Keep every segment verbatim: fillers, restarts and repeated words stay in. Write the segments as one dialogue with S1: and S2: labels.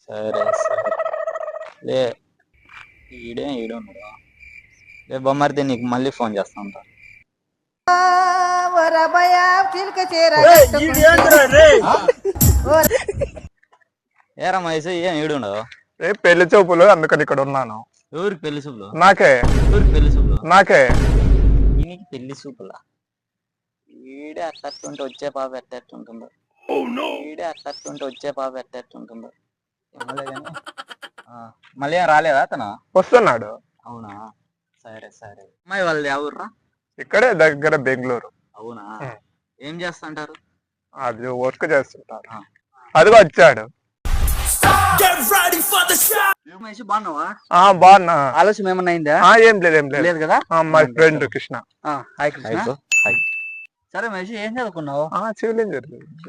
S1: సరే సరే లే ఈడే ఈడే ఉన్నాడు లే బొమ్మరిది నీకు మళ్ళీ ఫోన్ చేస్తా ఉంటా ఏరా మహేష్ ఏం ఈడు ఉండవు
S2: రేపు పెళ్లి చూపులు అందుకని ఇక్కడ ఉన్నాను.
S1: ఎవరికి పెళ్లి చూపులు?
S2: నాకే.
S1: ఎవరికి పెళ్లి చూపులు?
S2: నాకే.
S1: ఈయనకి పెళ్లి చూపులా? ఈడే అట్టట్టుంటే వచ్చే పాప ఎట్టట్టుంటుందో ఈడే అట్టట్టుంటే వచ్చే పాప ఎట్టట్టుంటుందో ఏమలే కానీ మళ్ళీ ఏం రాలేదా అతను?
S2: వస్తున్నాడు.
S1: అవునా సరే సరే. అమ్మాయి వాళ్ళది ఎవరురా?
S2: ఇక్కడే దగ్గర బెంగళూరు.
S1: అవునా ఏం చేస్తుంటారు?
S2: అది వర్క్ చేస్తుంటారు. అదిగో వచ్చాడు.
S1: బాగున్నావా?
S2: బాగున్నా.
S1: ఆలోచన ఏమన్నా అయిందా?
S2: ఏం లేదు ఏం లేదు
S1: కదా.
S2: My friend Krishna.
S1: Hi Krishna. సరే మహేష్ ఏం చదువుకున్నావు?
S2: Civil engineer.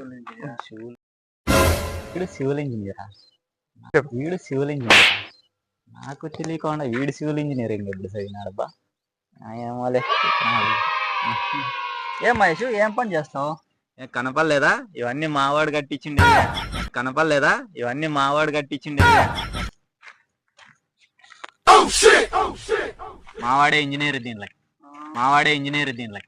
S1: వీడు సివిల్ ఇంజనీరా? వీడు సివిల్ ఇంజనీర్ నాకు తెలియకుండా వీడు సివిల్ ఇంజనీరింగ్ ఎప్పుడు చదివినాడబ్బా. ఏమోలే. ఏం మహేష్ ఏం పని చేస్తావు? కనపడలేదా ఇవన్నీ మావాడు కట్టించిండే? కనపడలేదా ఇవన్నీ మావాడు కట్టించిండే? మావాడే ఇంజనీర్ దీనిలో మావాడే ఇంజనీర్ దీనిలో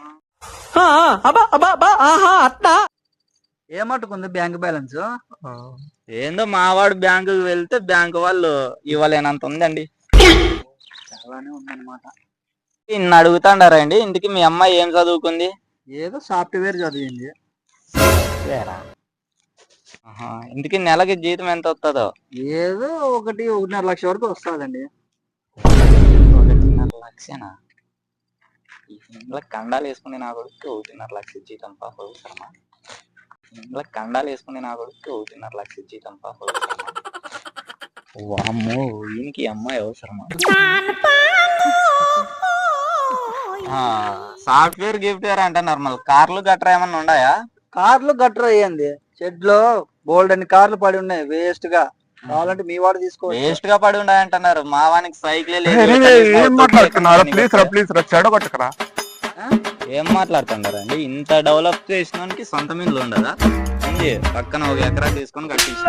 S1: ఏమట్టుకుంది బ్యాంక్ బ్యాలెన్స్? ఏందో మావాడు బ్యాంకు వెళ్తే బ్యాంకు వాళ్ళు ఇవ్వలేనంత ఉందండి. చాలానే ఉందన్నమాట. ఇన్ని అడుగుతాండారండి. ఇంటికి మీ అమ్మాయి ఏం చదువుకుంది? ఏదో సాఫ్ట్వేర్ చదివింది. ఇంటికి నెలకి జీతం ఎంత వస్తుందో? ఏదో ఒకటి ఒకటిన్నర లక్ష వరకు వస్తుందండి. ఒకటిన్నర లక్షనా? ఇంట్లో కండాలు వేసుకుని నా కొడుకు ఒకటిన్నర లక్ష జీతం పాప అవసరమా? ఇంట్లో కండాలు వేసుకుని నా కొడుకు ఒకటిన్నర లక్ష జీతం పాప అవసరమా? వామ్మో ఈయనకి అమ్మాయి అవసరమా? సాఫ్ట్వేర్ గిఫ్ట్వేర్ అంటే నార్మల్ కార్లు గట్రా ఏమన్నా ఉన్నాయా? కార్లు గట్రా అయ్యింది షెడ్ లో బోల్డ్ అని కార్లు పడి ఉన్నాయి వేస్ట్ గా. కావాలంటే మీ వాడు తీసుకో. వేస్ట్ గా పడి ఉన్నాయి అంటున్నారు. మా వానికి సైకిలే లేదు. ఏం మాట్లాడుతున్నారండి? ఇంత డెవలప్ చేసినానికి సొంత మిల్లు ఉండదా? ఉంది పక్కన ఒక ఎకరా తీసుకొని కట్టించిన.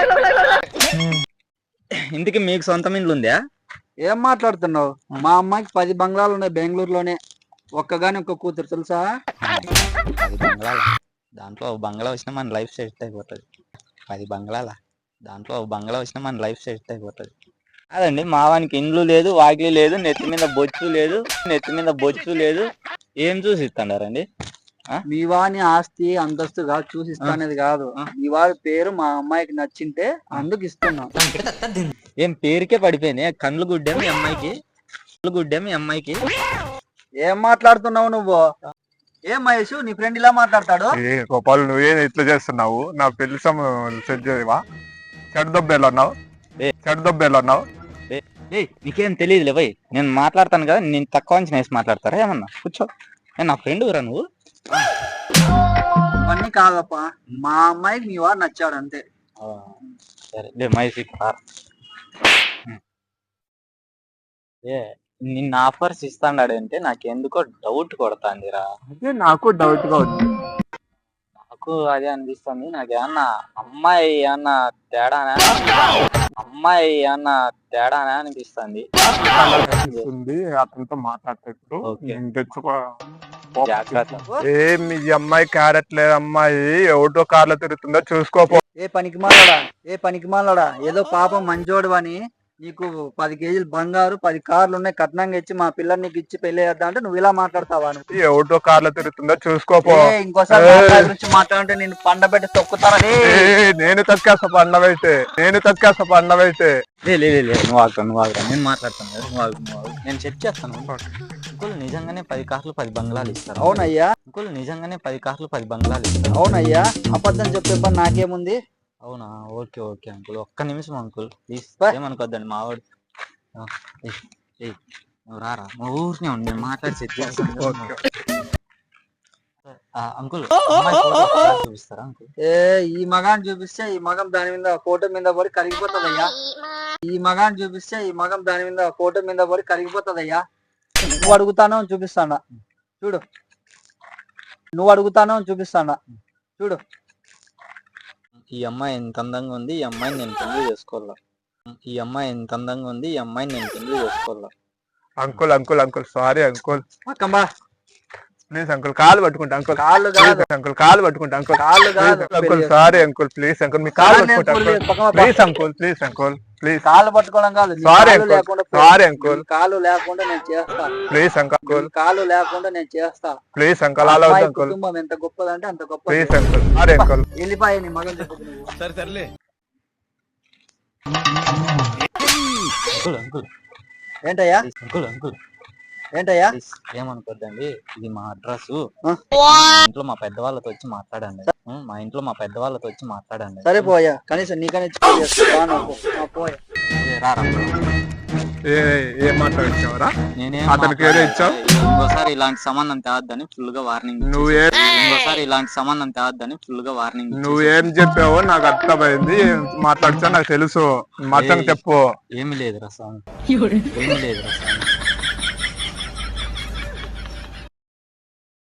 S1: ఇంటికి మీకు సొంత మిల్లు ఉందా? ఏం మాట్లాడుతున్నావు? మా అమ్మాయికి పది బంగ్లాలు ఉన్నాయి బెంగళూరులోనే. ఒక్కగాని ఒక్క కూతురు తెలుసా? పది బంగ్లాల దాంట్లో ఒక బంగ్లా వచ్చినా మన లైఫ్ సెట్ అయిపోతుంది. పది బంగ్లాల దాంట్లో ఒక బంగ్లా వచ్చినా మన లైఫ్ సెట్ అయిపోతుంది. అదండి మావానికి ఇండ్లు లేదు, వాకిలి లేదు, నెత్తి మీద బొచ్చు లేదు, నెత్తి మీద బొచ్చు లేదు. ఏం చూసి ఇస్తాడారండి? మీ వాని ఆస్తి అంతస్తుగా చూసిస్తానేది కాదు. మీ వాడి పేరు మా అమ్మాయికి నచ్చింటే అందుకు ఇస్తున్నాం. ఏం పేరుకే పడిపోయినాయి కండ్లు గుడ్డే మీ అమ్మాయికి? కళ్ళు గుడ్డే మీ అమ్మాయికి? ఏం మాట్లాడుతున్నావు నువ్వు? ఏం మహేష్ నీ ఫ్రెండ్ ఇలా మాట్లాడతాడు?
S2: గోపాల్ నువ్వేం ఇట్లా చేస్తున్నావు? నా పెళ్లి సెట్ చేయవా? చెడు దెబ్బేలా ఉన్నావు చెడు దెబ్బేలా ఉన్నావు
S1: నీకేం తెలియదులే భయ్. నేను మాట్లాడతాను కదా, నేను తక్కువ అంచనా వేసి మాట్లాడతారా ఏమన్నా? కూర్చో. నేను నా ఫ్రెండ్ రా నువ్వు. అవన్నీ కాదప్పా, మా అమ్మాయికి మీ వాడు నచ్చాడు అంతే. సరే మహేష్ ఏ నిన్న ఆఫర్స్ ఇస్తాడాడంటే నాకెందుకో డౌట్ కొడతాందిరా.
S2: అదే నాకు డౌట్ గా ఉంది.
S1: నాకు అదే అనిపిస్తుంది. నాకేమన్నా అమ్మాయి ఏమన్నా తేడానా అమ్మాయి ఏమన్నా తేడానా అనిపిస్తుంది.
S2: అతనితో మాట్లాడేటప్పుడు తెచ్చుకో. ఏమి అమ్మాయి క్యారెట్ లేదు, అమ్మాయి ఎవటో కార్లో తిరుగుతుందో చూసుకోపో.
S1: ఏ పనికి మాలడా ఏ పనికి మాలడా ఏదో పాపం మంచోడు అని నీకు పది కేజీలు బంగారు పది కార్లు ఉన్నాయి కట్నంగా ఇచ్చి మా పిల్లలు నీకు ఇచ్చి పెళ్లి చేద్దాం అంటే నువ్వు ఇలా మాట్లాడతావా?
S2: ఎవటో కార్లో తిరుగుతుందో చూసుకోపో.
S1: ఇంకోసారి గురించి మాట్లాడుంటే నేను పండబెట్టి తొక్కుతారా?
S2: నేను తక్కేస్తా పండబెట్టే నేను తక్కేస్తా పండబెట్టే
S1: నువ్వు ఆగుతావు నువ్వు ఆగుతావు నేను మాట్లాడతాను కదా. నువ్వు ఆగు నువ్వు ఆగు నేను చెక్ చేస్తాను. ఇంకోళ్ళు నిజంగానే పది కార్లు పది బంగ్లాలు ఇస్తారు. అవునయ్యా. ఇంకోళ్ళు నిజంగానే పది కార్లు పది బంగ్లాలు ఇస్తారు. అవునయ్యా. అబద్ధం చెప్పే పని నాకేముంది? అవునా ఓకే ఓకే అంకుల్ ఒక్క నిమిషం అంకుల్ ప్లీజ్ ఏమనుకోద్దండి మావాడు. నువ్వు రారా మా ఊరినే ఉండి నేను మాట్లాడి సెట్ చేస్తాను. అంకుల్ చూపిస్తారా అంకుల్? ఏ ఈ మగాన్ని చూపిస్తే ఈ మగం దాని మీద ఫోటో మీద పడి కరిగిపోతుందయ్యా. ఈ మగాన్ని చూపిస్తే ఈ మగం దాని మీద ఫోటో మీద పడి కరిగిపోతుందయ్యా. నువ్వు అడుగుతానో చూపిస్తాడా చూడు. నువ్వు అడుగుతానో చూపిస్తాడా చూడు. ఈ అమ్మాయి ఎంత అందంగా ఉంది, ఈ అమ్మాయిని నేను పెళ్లి చేసుకోవాలా. ఈ అమ్మాయి ఎంత అందంగా ఉంది, ఈ అమ్మాయిని నేను పెళ్లి చేసుకోవాలా.
S2: Uncle uncle uncle sorry uncle,
S1: పక్కమ్మా
S2: ప్లీజ్ అంకుల్ కాలు పట్టుకుంటా అంకుల్,
S1: కాళ్ళు కాదు
S2: అంకుల్ కాలు పట్టుకుంటా అంకుల్,
S1: కాళ్ళు కాదు
S2: uncle sorry uncle, please uncle మీ కాలు పట్టుకుంటా uncle, please uncle please uncle please,
S1: కాళ్ళు పట్టుకోవడం కాదు, నీ
S2: సారీ
S1: కాళ్ళు
S2: అంకుల్
S1: లేకుండా
S2: సారీ అంకుల్,
S1: నీ కాళ్ళు లేకుండా నేను చేస్తా.
S2: ప్లీజ్ అంకుల్
S1: నీ కాళ్ళు లేకుండా నేను చేస్తా.
S2: ప్లీజ్ అంకుల్ అలా వద్దు
S1: అమ్మాయి
S2: అంకుల్,
S1: కుటుంబం ఎంత గొప్పదంటే అంత గొప్ప.
S2: Please uncle sorry uncle.
S1: వెళ్ళిపోయి నీ మగన్ చెప్పు నువ్వు.
S3: సరే సర్లే.
S1: అంకుల్ అంకుల్ ఏంటయ్యా అంకుల్ అంకుల్ ఏంటయ్యా ఏమనుకోద్దండి, ఇది మా అడ్రస్. ఇంట్లో మా పెద్దవాళ్ళతో వచ్చి మాట్లాడండి. ఉం, మా ఇంట్లో మా పెద్దవాళ్ళతో వచ్చి మాట్లాడండి. సరే పోయా, కనీసం నీకనే పోయా.
S2: ఏ ఏం మాట్లాడించావరా?
S1: నేనేం
S2: అతనికి ఏదో ఇచ్చావు?
S1: ఇంకోసారి ఇలాంటి సంబంధం తేవద్దని ఫుల్ గా వార్నింగ్.
S2: నువ్వే
S1: ఇంకోసారి ఇలాంటి సంబంధం తేవద్దని ఫుల్ గా వార్నింగ్.
S2: నువ్వేం చెప్పావో నాకు అర్థమైంది, మాట్లాడుతా నాకు తెలుసు, మొత్తం చెప్పు.
S1: ఏమి లేదు రసం, ఏమి లేదు రసం.